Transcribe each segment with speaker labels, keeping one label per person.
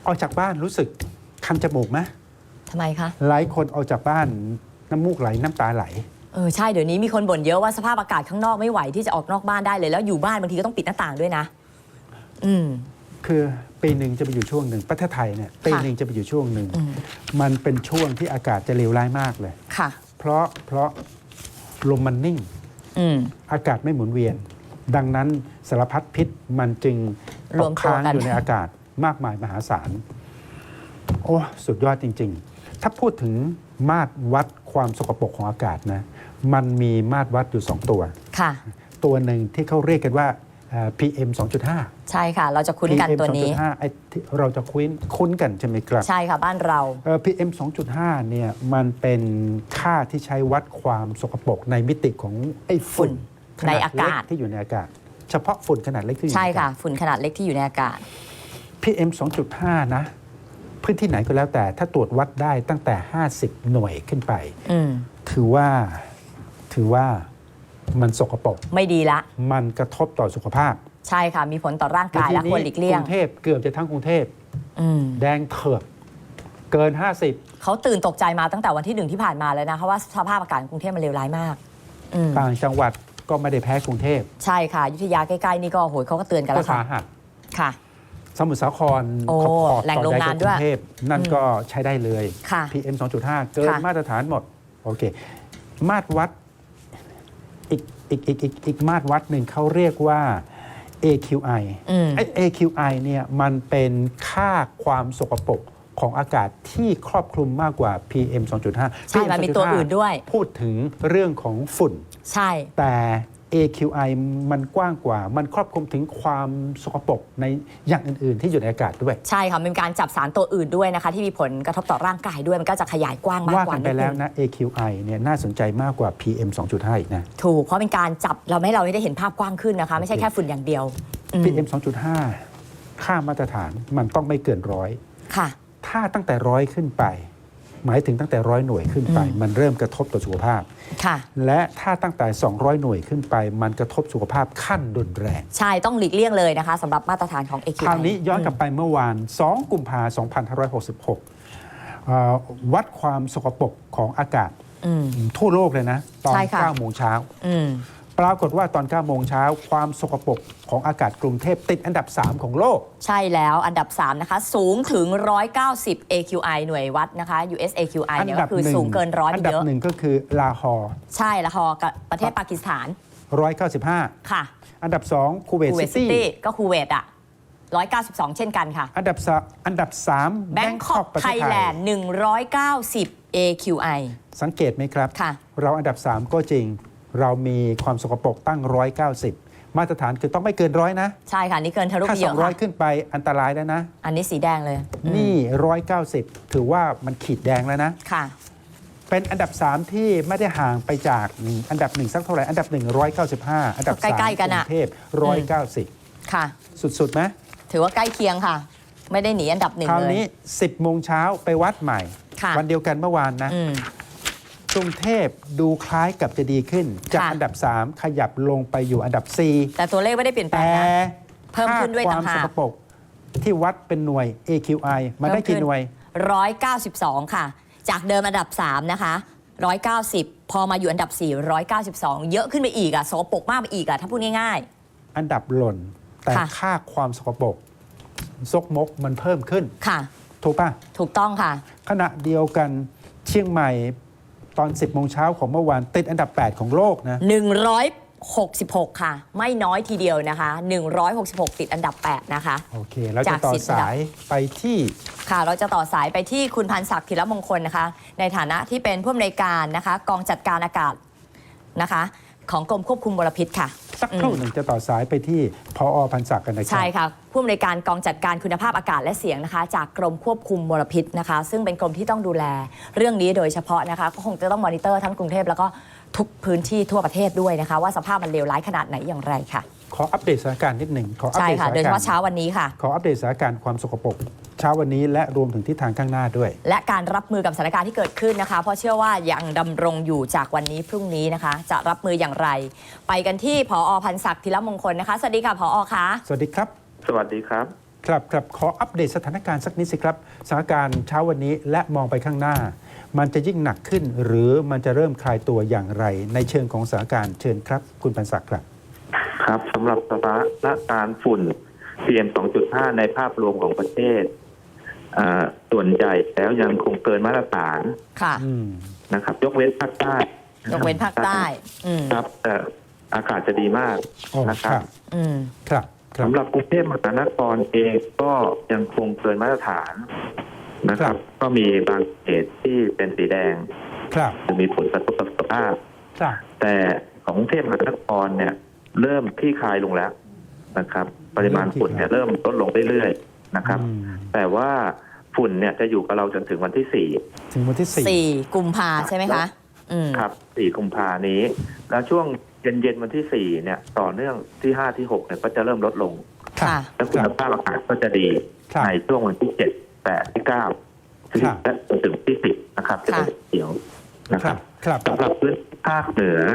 Speaker 1: ออกจากบ้านรู้สึกคันจมูกไหม
Speaker 2: ทำไมคะ
Speaker 1: หลายคนออกจากบ้านน้ำมูกไหลน้ำตาไหล
Speaker 2: ใช่เดี๋ยวนี้มีคนบ่นเยอะว่าสภาพอากาศข้างนอกไม่ไหวที่จะออกนอกบ้านได้เลยแล้วอยู่บ้านบางทีก็ต้องปิดหน้าต่างด้วยนะ
Speaker 1: คือปีหนึ่งจะไปอยู่ช่วงหนึ่งประเทศไทยเนี่ยปีหนึ่งจะไปอยู่ช่วงหนึ่งมันเป็นช่วงที่อากาศจะเลวร้ายมากเลย
Speaker 2: ค่ะ
Speaker 1: เพราะลมมันนิ่งอากาศไม่หมุนเวียนดังนั้นสารพัดพิษมันจึงตกค้างอยู่ในอากาศมากมายมหาศาลโอ้สุดยอดจริงๆถ้าพูดถึงมาตรวัดความสกปรกของอากาศนะมันมีมาตรวัดอยู่2ตัวค่ะตัวหนึ่งที่เขาเรียกกันว่าPM 2.5
Speaker 2: ใช่ค่ะเราจะคุ้นกันตัวนี้
Speaker 1: PM 2.5 เราจะคุ้นกันใช่ไหมครับ
Speaker 2: ใช่ค่ะบ้านเรา
Speaker 1: PM 2.5 เนี่ยมันเป็นค่าที่ใช้วัดความสกปรกในมิติของไอ้ฝุ่น
Speaker 2: ในอากาศ
Speaker 1: ที่อยู่ในอากาศเฉพาะฝุ่นขนาดเล็กที่อยู่ในอากาศ
Speaker 2: ใช่ค่ะฝุ่นขนาดเล็กที่อยู่ในอากาศ
Speaker 1: PM 2.5 นะพื้นที่ไหนก็แล้วแต่ถ้าตรวจวัดได้ตั้งแต่50หน่วยขึ้นไปถือว่ามันสกปรก
Speaker 2: ไม่ดีละ
Speaker 1: มันกระทบต่อสุขภาพ
Speaker 2: ใช่ค่ะมีผลต่อร่างกายและควรหลีกเลี่ยง
Speaker 1: กรุงเทพเกือบจะทั้งกรุงเทพแดงเถือกเกิน50
Speaker 2: เขาตื่นตกใจมาตั้งแต่วันที่1ที่ผ่านมาแล้วนะเพราะว่าสภาพอากาศกรุงเทพมันเลวร้ายมาก
Speaker 1: ต่างจังหวัดก็ไม่ได้แพ้กรุงเทพ
Speaker 2: ใช่ค่ะอยุธยาใกล้ๆนี่ก็โหยเขาก็เตือนกันแล้วค่ะ
Speaker 1: สมุทรสาคร
Speaker 2: แหล่งโรงงานด้วย
Speaker 1: นั่นก็ใช้ได้เลย PM 2.5 เกินมาตรฐานหมดโอเคมาตรวัดอีกมาตรวัดหนึ่งเขาเรียกว่า AQI AQI เนี่ยมันเป็นค่าความสกปรกของอากาศที่ครอบคลุมมากกว่า PM 2.5
Speaker 2: ใช่มันมีตัวอื่นด้วย
Speaker 1: พูดถึงเรื่องของฝุ่น
Speaker 2: ใช่
Speaker 1: แต่ AQI มันกว้างกว่ามันครอบคลุมถึงความสกปรกในอย่างอื่นๆที่อยู่ในอากาศด้วย
Speaker 2: ใช่ค่ะเป็นการจับสารตัวอื่นด้วยนะคะที่มีผลกระทบต่อร่างกายด้วยมันก็จะขยายกว้างมากกว่า
Speaker 1: ว่ากันไปแล้วนะ AQI เนี่ยน่าสนใจมากกว่า PM 2.5 อีกนะ
Speaker 2: ถูกเพราะเป็นการจับเราให้เราได้เห็นภาพกว้างขึ้นนะคะไม่ใช่แค่ฝุ่นอย่างเดียว
Speaker 1: PM 2.5 ค่ามาตรฐานมันต้องไม่เกิน100ค่ะถ้าตั้งแต่100ขึ้นไปหมายถึงตั้งแต่100หน่วยขึ้นไปมันเริ่มกระทบต่อสุขภาพและถ้าตั้งแต่200หน่วยขึ้นไปมันกระทบสุขภาพขั้นรุนแรง
Speaker 2: ใช่ต้องหลีกเลี่ยงเลยนะคะสำหรับมาตรฐานของ AQI
Speaker 1: คราวนี้ย้อนกลับไปเมื่อวาน2กุมภาพันธ์2566วัดความสกปรกของอากาศทั่วโลกเลยนะตอน9 โมงเช้าปรากฏว่าตอน9 โมงเช้าความสกปรกของอากาศกรุงเทพติดอันดับ3ของโลก
Speaker 2: ใช่แล้วอันดับ3นะคะสูงถึง190 AQI หน่วยวัดนะคะ US AQI เนี่ยก็คือสูงเกิน100
Speaker 1: อันดับ1ก็คือลาฮอร์
Speaker 2: ใช่ลาฮอร์กับประเทศปากีสถาน
Speaker 1: 195ค่ะอันดับ2คูเวตซิตี้
Speaker 2: ก็คูเวตอ่ะ192เช่นกันค่ะ
Speaker 1: อันดับ3
Speaker 2: แบงคอกไทยแลนด์190 AQI
Speaker 1: สังเกตไหมครับเราอันดับ3ก็จริงเรามีความสกปรกตั้ง190มาตรฐานคือต้องไม่เกิน100นะ
Speaker 2: ใช่ค่ะนี่เกินทะลุไปเยอะ
Speaker 1: ถ้า200ขึ้นไปอันตรายแล้วนะ
Speaker 2: อันนี้สีแดงเลย
Speaker 1: นี่190ถือว่ามันขีดแดงแล้วนะ
Speaker 2: ค่ะ
Speaker 1: เป็นอันดับ3ที่ไม่ได้ห่างไปจากอันดับ1สักเท่าไหร่อันดับ1 195อันดับ3
Speaker 2: ใกล้ๆกัน
Speaker 1: กรุงเทพ190
Speaker 2: ค่ะ
Speaker 1: สุดๆไหม
Speaker 2: ถือว่าใกล้เคียงค่ะไม่ได้หนีอันดับ1เลย
Speaker 1: คราวนี้10 โมงเช้าไปวัดใหม่วันเดียวกันเมื่อวานนะกรุงเทพดูคล้ายกับจะดีขึ้นจากอันดับ3ขยับลงไปอยู่อันดับ4
Speaker 2: แต่ตัวเลขไม่ได้เปลี่ยนแปลงนะเพิ่มขึ้นด้วยต่างหาก
Speaker 1: ความสกปรกที่วัดเป็นหน่วย AQI มันได้กี่หน่วย
Speaker 2: 192ค่ะจากเดิมอันดับ3นะคะ190พอมาอยู่อันดับ4 192เยอะขึ้นไปอีกอ่ะสกปรกมากไปอีกอ่ะถ้าพูดง่าย
Speaker 1: ๆอันดับหล่นแต่ค่าความสกปรกซกมกมันเพิ่มขึ้น
Speaker 2: ค่ะ
Speaker 1: ถูกป่ะ
Speaker 2: ถูกต้องค่ะ
Speaker 1: ขณะเดียวกันเชียงใหม่ตอน 10 โมงเช้าของเมื่อวานติดอันดับ8ของโลกนะ
Speaker 2: 166ค่ะไม่น้อยทีเดียวนะคะ166ติดอันดับ8นะคะ
Speaker 1: โอเคเราจะต่อสายไปที่
Speaker 2: ค่ะเราจะต่อสายไปที่คุณพันศักดิ์ธีรมงคลนะคะในฐานะที่เป็นผู้อำนวยการนะคะกองจัดการอากาศนะคะของกรมควบคุมมลพิษค่ะ
Speaker 1: สักครู่หนึ่งจะต่อสายไปที่ผอ.พันศักดิ์กันนะครับ
Speaker 2: ใช่ค่ะผู้อำนวยการกองจัดการคุณภาพอากาศและเสียงนะคะจากกรมควบคุมมลพิษนะคะซึ่งเป็นกรมที่ต้องดูแลเรื่องนี้โดยเฉพาะนะคะก็คงจะต้องมอนิเตอร์ทั้งกรุงเทพแล้วก็ทุกพื้นที่ทั่วประเทศด้วยนะคะว่าสภาพมันเลวร้ายขนาดไหนอย่างไรค่ะ
Speaker 1: ขออัปเดตสถานการณ์นิดหนึ่ง
Speaker 2: ใช่ค่ะโดยเฉพาะเช้าวันนี้ค่ะ
Speaker 1: ขออัปเดตสถานการณ์ความสกปรกเช้าวันนี้และรวมถึงทิศทางข้างหน้าด้วย
Speaker 2: และการรับมือกับสถานการณ์ที่เกิดขึ้นนะคะเพราะเชื่อว่ายังดำรงอยู่จากวันนี้พรุ่งนี้นะคะจะรับมืออย่างไรไปกันที่ผอ.พันศักดิ์ธีรมงคลนะคะสวัสดีค่ะผอ.คะ
Speaker 1: สวัสดีครับ
Speaker 3: สวัสดีครับ
Speaker 1: ครับครับขออัปเดตสถานการณ์สักนิดสิครับสถานการณ์เช้าวันนี้และมองไปข้างหน้า มันจะยิ่งหนักขึ้น หรือมันจะเริ่มคลายตัวอย่างไร ในเชิงของสถานการณ์เชิญครับคุณพันศักดิ์ครับ
Speaker 3: ครับสำหรับสถานการณ์ฝุ่น PM 2.5 ในภาพรวมของประเทศส่วนใหญ่แล้วยังคงเกินมาตรฐาน
Speaker 2: ค่ะ
Speaker 3: นะครับ ยกเว้นภาคใต้
Speaker 2: ยกเว้นภาคใต้
Speaker 3: ครับแต่อากาศจะดีมากนะครับ
Speaker 1: ครับ
Speaker 3: สำหรับกรุงเทพมหานครเองก็ยังคงเกินมาตรฐานนะครับ ก็มีบางเขตที่เป็นสีแดง
Speaker 1: ครับ
Speaker 3: หรือมีผลกระทบต่อสุขภาพ
Speaker 1: ครับ
Speaker 3: แต่ของกรุงเทพมหานครเนี่ยเริ่มคลี่คลายลงแล้วนะครับ ปริมาณฝุ่นเนี่ยเริ่มลดลงเรื่อยๆนะครับ แต่ว่าฝุ่นเนี่ยจะอยู่กับเราจนถึงวันที่ 4
Speaker 1: ถึงวันที่
Speaker 2: 4 กุมภาใช่ไหมคะ
Speaker 3: ครับ 4 กุมภานี้ แล้วช่วงเย็นๆวันที่ 4 เนี่ยต่อเนื่องที่ 5 ที่ 6 เนี่ยก็จะเริ่มลดลง
Speaker 2: ค่ะ
Speaker 3: และคุณภาพอากาศก็จะดี
Speaker 1: ครับ
Speaker 3: ในช่วงวันที่ 7 8 ที่ 9 ที่และจนถึงที่ 10 นะครับจะเป็นเขียวนะ
Speaker 1: ค
Speaker 3: ค
Speaker 1: รั
Speaker 3: รั
Speaker 1: บบ ครับ
Speaker 3: สำหรับพื้นที่ภาคเหนือ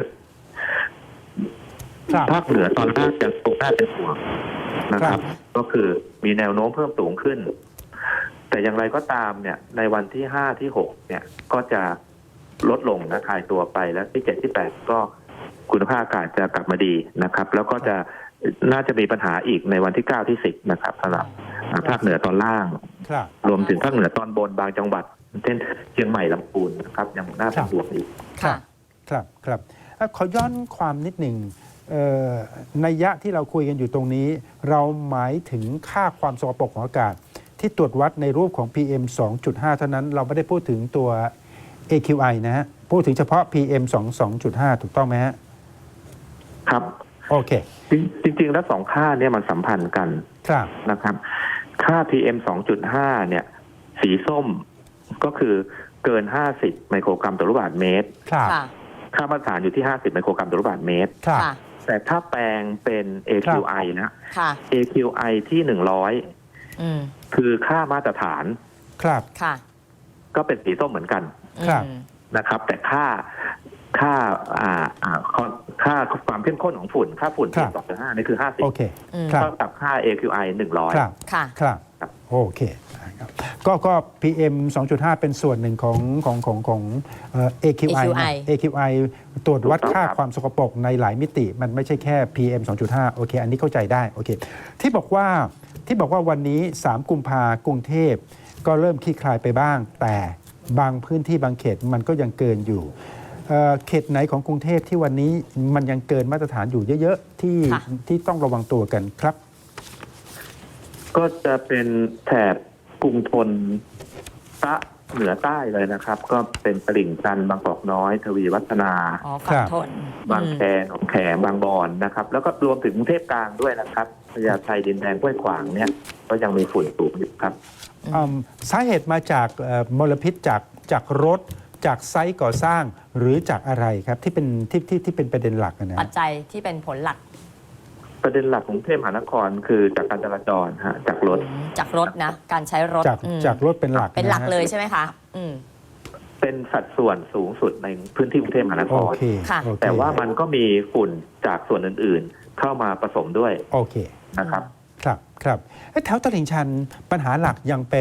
Speaker 1: ครับ
Speaker 3: ภาคเหนือตอนล่างยังคงน่าเป็นห่วงนะครับ ก็คือมีแนวโน้มเพิ่มสูงขึ้น แต่อย่างไรก็ตามเนี่ยในวันที่ 5 ที่ 6 เนี่ยก็จะลดลงนะคลายตัวไปแล้วที่ 7 ที่ 8 ก็คุณภาพอากาศจะกลับมาดีนะครับ แล้วก็จะน่าจะมีปัญหาอีกในวันที่ 9 ที่ 10 นะครับสำหรับภาคเหนือตอนล่าง
Speaker 1: ครับ
Speaker 3: รวมถึงภาคเหนือตอนบนบางจังหวัดเช่นเชียงใหม่ลำพูนนะครับยังน่าเป็นห่วงอีก
Speaker 2: ค่ะ
Speaker 1: ครับครับขอย้อนความนิดหนึ่งนัยยะที่เราคุยกันอยู่ตรงนี้ เราหมายถึงค่าความสกปรกของอากาศ ที่ตรวจวัดในรูปของ PM 2.5 เท่านั้นเราไม่ได้พูดถึงตัว AQI นะฮะพูดถึงเฉพาะ PM 2.5 ถูกต้องไหมฮะ
Speaker 3: ครับ
Speaker 1: โอเค
Speaker 3: จริงๆแล้วสองค่าเนี่ยมันสัมพันธ์กัน
Speaker 1: ครับ
Speaker 3: นะครับค่า PM 2.5 เนี่ยสีส้มก็คือเกิน 50 ไมโครกรัมต่อลูกบาศก์เมตร
Speaker 1: ครับ
Speaker 2: ค่ะ
Speaker 3: ค่ามาตรฐานอยู่ที่ 50 ไมโครกรัมต่อลูกบาศก์เมตร
Speaker 1: ครับ
Speaker 2: ค่ะ
Speaker 3: แต่ถ้าแปลงเป็น AQI นะ
Speaker 2: ค่ะ
Speaker 3: AQI ที่ 100 คือค่ามาตรฐาน
Speaker 1: ครับ
Speaker 2: ค่ะ
Speaker 3: ก็เป็นสีส้มเหมือนกัน
Speaker 1: ครับ
Speaker 3: นะครับ แต่ค่าความเข้มข้นของฝุ่น ค่าฝุ่น PM 2.5 นี่คือ
Speaker 1: โอเค
Speaker 3: 50
Speaker 1: ครับ
Speaker 3: เท่ากับค่า AQI 100
Speaker 1: ครับ
Speaker 2: ค่ะ
Speaker 1: ครับ
Speaker 3: ครับ
Speaker 1: โอเคครับก็ PM 2.5 เป็นส่วนหนึ่งของAQI นะ AQI ตรวจวัดค่าความสกปรกในหลายมิติ มันไม่ใช่แค่ PM 2.5 โอเค อันนี้เข้าใจได้โอเคที่บอกว่าวันนี้ 3 กุมภากรุงเทพก็เริ่มคลี่คลายไปบ้าง แต่บางพื้นที่บางเขตมันก็ยังเกินอยู่เขตไหนของกรุงเทพที่วันนี้มันยังเกินมาตรฐานอยู่เยอะๆที่ต้องระวังตัวกันครับ
Speaker 3: ก็จะเป็นแถบกรุงทนเหนือใต้เลยนะครับ ก็เป็นตลิ่งชันบางกอกน้อย ทวีวัฒนา
Speaker 2: อ๋อฝั่งทน
Speaker 3: บางแคหนองแขมบางบอนนะครับ แล้วก็รวมถึงกรุงเทพกลางด้วยนะครับพญาไทดินแดงห้วยขวางเนี่ยก็ยังมีฝุ่นสูงอยู่ครับ
Speaker 1: สาเหตุมาจากมลพิษจากรถจากไซต์ก่อสร้างหรือจากอะไรครับที่เป็นประเด็นหลักนะ
Speaker 2: ปัจจัยที่เป็นผลหลัก
Speaker 3: ประเด็นหลักของกรุงเทพมหานครคือจากการจราจรฮะจากรถ
Speaker 2: จากรถนะ การใช้รถ
Speaker 1: จากรถเป็นหลัก
Speaker 2: เป็นหลัก
Speaker 1: ะฮะ
Speaker 2: เลยใช่ไหมคะ
Speaker 3: เป็นสัดส่วนสูงสุดในพื้นที่กรุงเทพมหานค
Speaker 1: โอ
Speaker 3: ร
Speaker 1: เค
Speaker 2: ค่ะ
Speaker 1: โอเค
Speaker 3: แต่ว่ามันก็มีฝุ่นจากส่วนอื่นๆ เข้ามาผสมด้วย
Speaker 1: โอเค
Speaker 3: นะครับ
Speaker 1: ครับแถวตลิ่งชันปัญหาหลักยังเป็น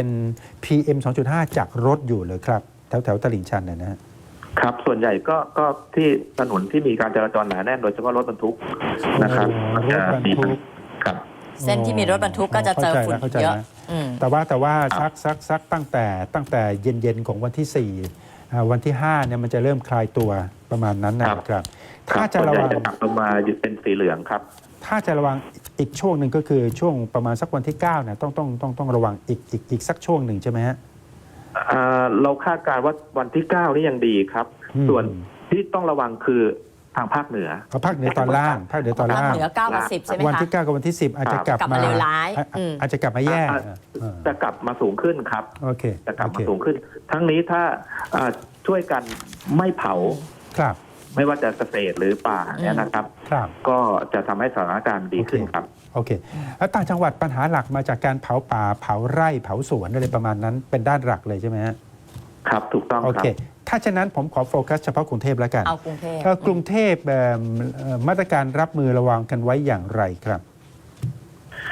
Speaker 1: PM 2.5 จากรถอยู่เลยครับแถวตลิ่งชันนะฮะ
Speaker 3: ครับส่วนใหญ่ก็ที่ถนนที่มีการจราจรหนาแน่นโดยเฉพาะรถบรรทุกนะครับ
Speaker 1: รถบรรทุก
Speaker 3: ครับ
Speaker 2: เส้นที่มีรถบรรทุกก็จะเจอฝุ่น
Speaker 1: เข้าใจ
Speaker 2: เยอะ
Speaker 1: แล้วแต่ว่าซักตั้งแต่เย็นของวันที่ 4 วันที่ 5เนี่ยมันจะเริ่มคลายตัวประมาณนั้นนะครับถ้าจะระวัง
Speaker 3: ส่วนใหญ่จะกลับลงมาอยู่เป็นสีเหลืองครับ
Speaker 1: ถ้าจะระวังอีกช่วงหนึ่งก็คือช่วงประมาณสักวันที่9เนี่ยต้องระวังอีกสักช่วงหนึ่งใช่ไหมฮะ
Speaker 3: เราคาดการณ์ว่าวันที่ 9 นี่ยังดีครับ ส่วนที่ต้องระวังคือทางภาคเหนือ
Speaker 1: ภาคเหนือตอนล่างภาคเหนือตอนล่าง
Speaker 2: เหนือ9กับ10ใช่ไหมคะ
Speaker 1: วันที่ 9 กับวันที่ 10 อาจจะกลับ
Speaker 2: กลับมาเลวร้าย
Speaker 1: อาจจะกลับมาแย่
Speaker 3: จะกลับมาสูงขึ้นครับ
Speaker 1: โอเค
Speaker 3: จะกลับมาสูงขึ้น ทั้งนี้ถ้าช่วยกันไม่เผา
Speaker 1: ครับ
Speaker 3: ไม่ว่าจะเกษตรหรือป่าเนี่ยนะครับ
Speaker 1: ครับ
Speaker 3: ก็จะทำให้สถานการณ์ดีขึ้นครับ
Speaker 1: โอเคแล้วต่างจังหวัดปัญหาหลักมาจากการเผาป่าเผาไร่เผาสวนอะไรประมาณนั้นเป็นด้านหลักเลยใช่ไหมฮะ
Speaker 3: ครับถูกต้อง
Speaker 1: โอ
Speaker 3: ครั
Speaker 1: เค
Speaker 3: บ
Speaker 1: ถ้าฉะนั้นผมขอโฟกัสเฉพาะกรุงเทพแล้วกัน
Speaker 2: เอากรุงเทพ
Speaker 1: กรุงเทพมาตรการรับมือระวังกันไว้อย่างไรครับ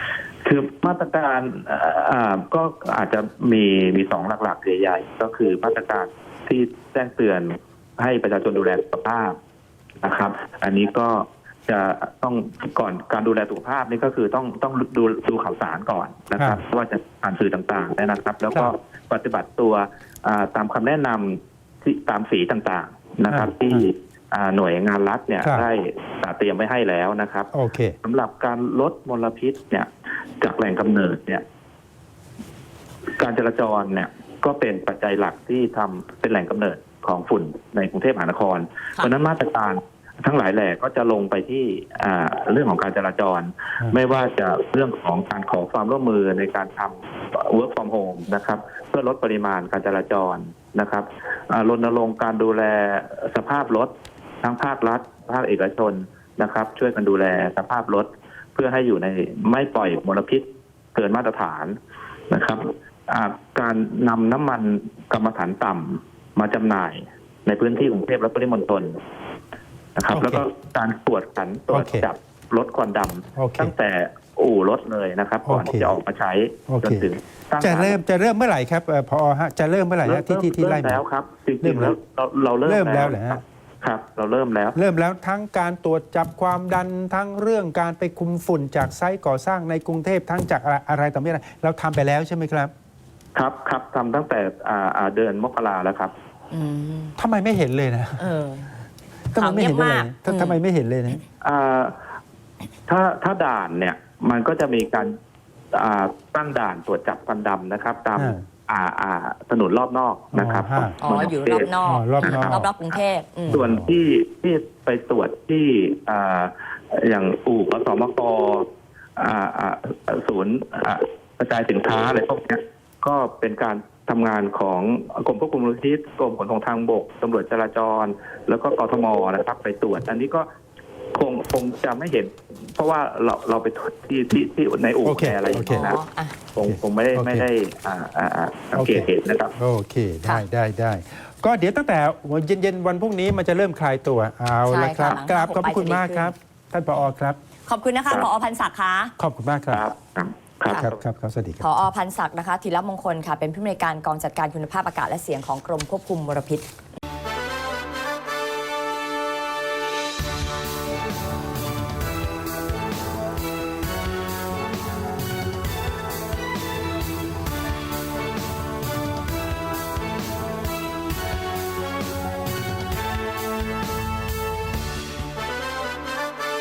Speaker 3: คือมาตรการก็อาจจะมีสองหลักๆใหญ่ๆก็คือมาตรการที่แจ้งเตือนให้ประชาชนดูแลสุขภาพนะครับ อันนี้ก็จะต้องก่อนการดูแลสุขภาพนี่ก็คือต้องดูข่าวสารก่อนนะครับว่าจะผ่านสื่อต่างๆนะครับ แล้วก็ปฏิบัติตัวตามคำแนะนำที่ตามสีต่างๆนะครับ ที่หน่วยงานรัฐเนี่ยได้เตรียมไว้ให้แล้วนะครับสำหรับการลดมลพิษเนี่ยจากแหล่งกำเนิดเนี่ยการจราจรเนี่ยก็เป็นปัจจัยหลักที่ทำเป็นแหล่งกำเนิดของฝุ่นในกรุงเทพมหานครเพราะนั้นมาตรการทั้งหลายแหล่ก็จะลงไปที่เรื่องของการจราจรไม่ว่าจะเรื่องของการขอความร่วมมือในการทำ work from home นะครับเพื่อลดปริมาณการจราจรนะครับรณรงค์การดูแลสภาพรถทั้งภาครัฐภาคเอกชนนะครับช่วยกันดูแลสภาพรถเพื่อให้อยู่ในไม่ปล่อยมลพิษเกินมาตรฐานนะครับการนำน้ำมันกรรมฐานต่ำมาจำหน่ายในพื้นที่กรุงเทพและปริมณฑลนะครับแล้วก็การตรวจจับรถควันดำตั้งแต่อู่รถเลยนะครับก่อนที่จะออกมาใช้จนถึง
Speaker 1: จะเริ่มเมื่อไหร่ครับพอฮะจะเริ่มเมื่อไหร่ฮะที่ไล่มา
Speaker 3: แล้วครับจริงๆแล้วเราเริ่มแล้วครับเราเริ่มแล้ว
Speaker 1: ทั้งการตรวจจับความดันทั้งเรื่องการไปคุมฝุ่นจากไซต์ก่อสร้างในกรุงเทพทั้งจากอะไรต่อไม่อะไรเราทำไปแล้วใช่ไหมครับ
Speaker 3: ครับทำตั้งแต่เดือนมกราแล้วครับ
Speaker 1: ทำไมไม่เห็นเลยนะทำไมไม่เห็นเลยทำไมไม่เห็นเลยนะ
Speaker 3: ถ้าด่านเนี่ยมันก็จะมีการตั้งด่านตรวจจับควันดำนะครับตามถนนรอบนอกนะครับ
Speaker 2: อยู่รอบนอกรอบกรุงเทพ
Speaker 3: ส่วนที่ไปตรวจที่อย่างอู่สมกศูนย์กระจายสินค้าอะไรพวกนี้ก็เป็นการทำงานของกรมควบคุมมลพิษกรมขนส่งทางบกตำรวจจราจรแล้วก็กทมนะครับไปตรวจอันนี้ก็คงจะไม่เห็นเพราะว่าเราไปตรวจที่ในอู่อะไรอย่างเงี้ยนะคงไม่ได้สังเกตเห็นนะครับ
Speaker 1: โอเคได้ก็เดี๋ยวตั้งแต่เย็นวันพรุ่งนี้มันจะเริ่มคลายตัวเอาละครับกราบขอบคุณมากครับท่านผอ.ครับ
Speaker 2: ขอบคุณนะคะผอ.พันศักดิ์ค่ะ
Speaker 1: ขอบคุณมากครับครับสวัสดีครับ
Speaker 2: ผอ.พันศักดิ์นะคะธีรมงคลค่ะเป็นผู้อำนวยการกองจัดการคุณภาพอากาศและเสียงของกรมควบคุมมลพิษ